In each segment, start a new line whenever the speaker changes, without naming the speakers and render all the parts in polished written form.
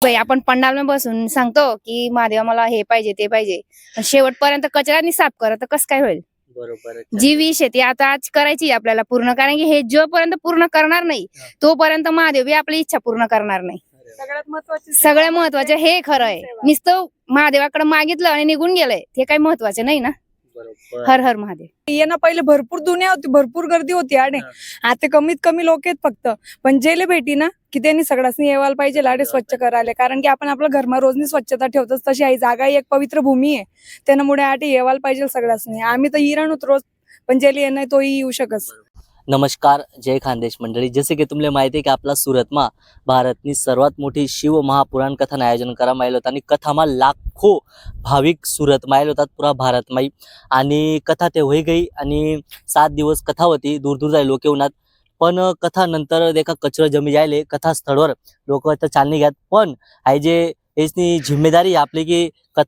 भाई आपण पंडाल बसून सांगतो की महादेवा मला हे पाहिजे ते पाहिजे, पण शेवटपर्यंत कचऱ्यानी साफ करा तर कसं काय होईल?
बरोबर.
जी विष आहे ती आता आज करायची आपल्याला पूर्ण, कारण की हे जोपर्यंत पूर्ण करणार नाही तोपर्यंत महादेव बी आपली इच्छा पूर्ण करणार नाही. सगळ्यात महत्वाचं हे खरं आहे. नुसतं महादेवाकडे मागितलं आणि निघून गेलंय ते काही महत्वाचं नाही ना. हर हर महादेव.
येणं पहिले भरपूर दुनिया होती, भरपूर गर्दी होती आणि आता कमीत कमी लोक आहेत फक्त. पण जेले भेटी ना की त्यांनी सगळ्यांनी येवायला पाहिजे लाडे स्वच्छ करायला, कारण की आपण आपल्या घरमा रोजनी स्वच्छता ठेवतोच तशी आई जागा ही एक पवित्र भूमी आहे, त्यामुळे आठी येवायला पाहिजे सगळ्यांनी. आम्ही तर इराण रोज, पण जेले येणं तोही येऊ शकत.
नमस्कार, जय खानदेश मंडळी. जसे की तुम्हाला माहिती आहे की आपला सुरतमा भारतनी सर्वात मोठी शिव महापुराण कथानं आयोजन करायला आलं होतं आणि कथामा लाखो भाविक सुरतमा आले होतात पुरा भारतमाई. आणि कथा ते होई गई आणि 7 दिवस कथा होती, दूर दूर जाय लोक येऊनात. पण कथा नंतर देखा कचरा जमी जायले कथा स्थळवर लोक तर चालणी घ्यात. पण आहे जे याची जिम्मेदारी आपली की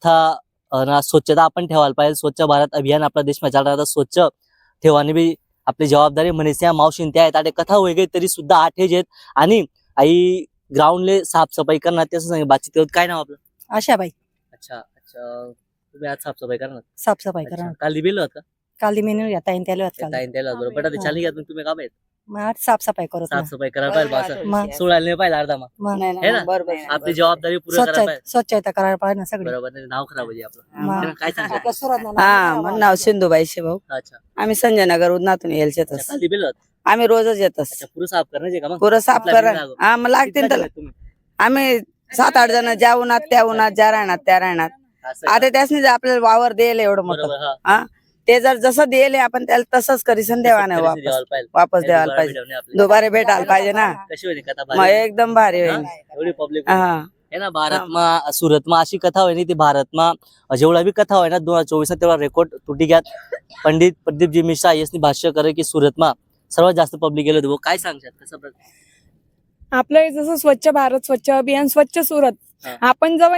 कथा स्वच्छता आपण ठेवायला पाहिजे. स्वच्छ भारत अभियान आपला देशमा चालू राहता, स्वच्छ ठेवाने बी आपली जबाबदारी म्हणेस. या मावशीन त्या आहेत, कथा होई गई तरी सुद्धा आठेज आहेत आणि आई ग्राउंडले साफसफाई करणार त्याचं सांग बातचीत करत. काय नाव आपलं?
आशाबाई.
अच्छा अच्छा, तुम्ही आज साफसफाई करणार?
साफसफाई करा.
काल दिलेलं होत का?
काल मेनू या ताईन त्याला होत काल.
ताईन त्याला बरोबर आता चालली घ्या तुम्ही का पाहिजे
मग आज साफसफाई करत ना.
साफसफाई करायला पाहिजे असं
मग
सोडायला नाही पाहिजे अर्धा मग
मग
है ना? आपली जबाबदारी पूर्ण करायला पाहिजे.
स्वच्छता करायला पाहिजे ना सगळे.
बरोबर नाही नाव खराब होईल आपलं.
मग.
काय सांगता?
हा माझं नाव सिंधुबाई शिभाऊ.
अच्छा
आम्ही संजय नगर उदनातून येलचेच.
काल दिलेलं होत.
आम्ही रोजच येतच.
अच्छा पुरं साफ करण्याचे का मग?
पुरं साफ
आपल्या
करा.
बिना
हा मग लागतील तर
तुम्ही
आम्ही 7-8 जण ज्या उन्हात त्या उन्हात, ज्या राहणार त्या राहणार.
असं का?
आता त्यासनी आपल्याला वावर देईल एवढं मोठं,
बरोबर हा.
हा ते जर जसं देईल आपण त्याला तसंच करीसन देवाने
तसं
वापस
द्यायला पाहिजे.
वापस
हे
द्यायला
दुबारा
पाहिजे.
भेटवणे आपल्याला.
दुबारे भेटायला पाहिजे ना.
कशी होईल कथा
मग
भारी?
एकदम भारी
हा?
होईल.
एवढी पब्लिक
हा
है ना भारतमा सुरतमा अशी कथा होय नी ती भारतमा जेवढा बी कथा होय ना 2024 तेवढा रेकॉर्ड तुटी घ्यात. पंडित प्रदीपजी मिश्रा यांनी भाष्य करे की सुरतमा सर्वात जास्त पब्लिक गेलो होतो. काय सांगतात कसं?
आपलं जसं स्वच्छ भारत, स्वच्छ अभियान, स्वच्छ सुरत,
हा.
आपण जेव्हा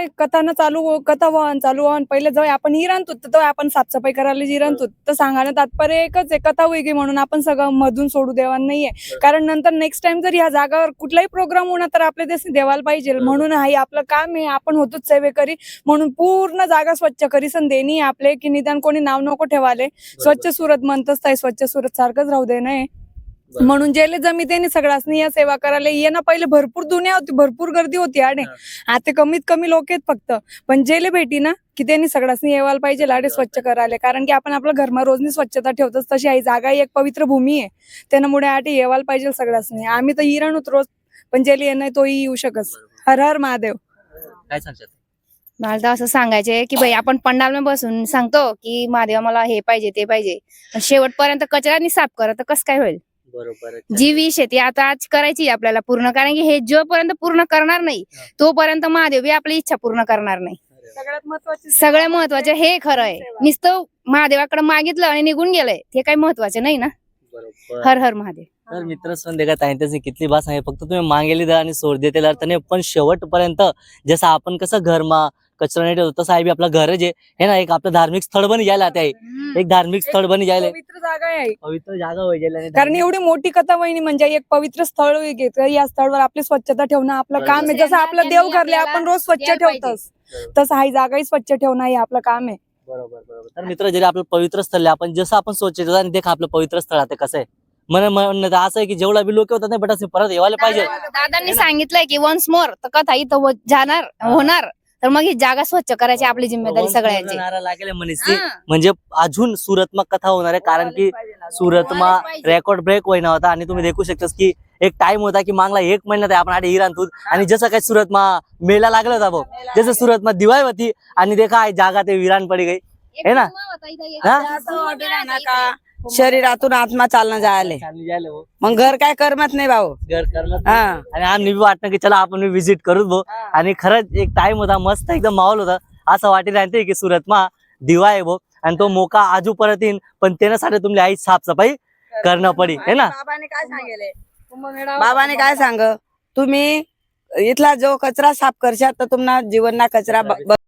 कथा वाहन चालू व्हान पहिले जेव्हा आपण इराणतो तेव्हा आपण साफसफाई करायला इराणतो, तर सांगायला तात्पर्य एकच आहे, कथा वेगळी म्हणून आपण सगळं मधून सोडू देवा नाहीये. कारण नंतर नेक्स्ट टाइम जर ह्या जागावर कुठलाही प्रोग्राम होणार तर आपल्या देश देवाला पाहिजे. म्हणून हा आपलं काम आहे, आपण होतोच सेवेकरी म्हणून पूर्ण जागा स्वच्छ करीसन देणी आपले, की निदान कोणी नाव नको ठेवाले. स्वच्छ सुरत म्हणतच ताई, स्वच्छ सुरत सारखंच राहू दे नाही. म्हणून जेले जमितेने सगळ्यांनी या सेवा करायला येणं पहिले भरपूर दुनिया होती, भरपूर गर्दी होती आणि आता कमीत कमी लोक आहेत फक्त. पण जेले भेटी ना की त्यांनी सगळ्यांनी येवायला पाहिजे लाडे स्वच्छ करायला, कारण की आपण आपल्या घरमा रोजनी स्वच्छता ठेवतोच तशी आई जागा ही एक पवित्र भूमी आहे, त्यामुळे आठी येवायला पाहिजे सगळ्यांनी. आम्ही तर इराण रोज, पण जेले येणं तोही येऊ शकत. हर हर महादेव.
काय सांगतात?
मला तर असं सांगायचंय की भाई आपण पंडाल बसून सांगतो की महादेवा मला हे पाहिजे ते पाहिजे, पण शेवटपर्यंत कचऱ्यानी साफ करा तर कसं काय होईल?
बरोबर.
जी विष आहे ती आता आज करायची आपल्याला पूर्ण, कारण की हे जोपर्यंत पूर्ण करणार नाही तोपर्यंत महादेव बी आपली इच्छा पूर्ण करणार नाही. सगळ्यात महत्वाचं हे खरं आहे. नुसतं महादेवाकडे मागितलं आणि निघून गेलंय ते काही महत्वाचं नाही ना.
बरोबर.
हर हर महादेव.
तर मित्र सण देखा ताई कितली बात सांगे, फक्त तुम्ही मागेली द्या आणि सोड देते अर्थ नाही, पण शेवटपर्यंत जसं आपण कसं घरमा कचरा नाही ठेवतो तसं आहे बी आपलं घर जे आहे ना एक आपलं धार्मिक स्थळ बनी जायला आता एक धार्मिक स्थळ बनी जायला
पवित्र जागा आहे,
पवित्र जागा होई जायला.
कारण एवढी मोठी कथा वहिनी म्हणजे एक पवित्र स्थळ घेत, या स्थळावर आपली स्वच्छता ठेवणं आपलं काम आहे. जसं आपलं देव घरले आपण रोज स्वच्छ ठेवतोस तसं हा जागाही स्वच्छ ठेवणं हे आपलं काम आहे.
बरोबर बरोबर. तर मित्र जरी आपलं पवित्र स्थळ आपण जसं आपण स्वच्छ ठेवतो आणि देखा आपलं पवित्र स्थळ आता कसं आहे म्हणणं असं आहे की जेवढा बी लोक होतात नाही बट असं परत येवायला पाहिजे.
दादांनी सांगितलंय की वन्स मोर तर कथा इथं जाणार होणार, तर मग ही जागा स्वच्छ करायची आपली जिम्मेदारी सगळ्यांची.
नारा लागेल म्हणजे अजून सुरतमा कथा होणार आहे, कारण की सुरतमा रेकॉर्ड ब्रेक होईना होता. आणि तुम्ही देखू शकता की एक टाइम होता की मागला 1 महिन्यात आपण आधी इराणतून आणि जसं काही सुरतमा मेला लागला होता भाऊ, जसं सुरतमा दिवाळी होती आणि देखा जागा ते विरान पडी गई है ना.
शरीरातून आत्मा चालणं जायला मग घर काय करमत नाही भाऊ.
घर करणं
हा
आणि आम्ही बी वाटतं की चला आपण विजिट करू भाऊ. आणि खरंच एक टाइम होता मस्त एकदम माहोल होता. असं वाटेल राहते की सुरतमा दिवा आहे भाऊ आणि तो मोका आजू परत येईन, पण त्यासाठी तुमची आई साफसफाई करणं पडी है ना.
बाबाने काय सांग, तुम्ही इथला जो कचरा साफ करशात तर तुम्हाला जीवन ना कचरा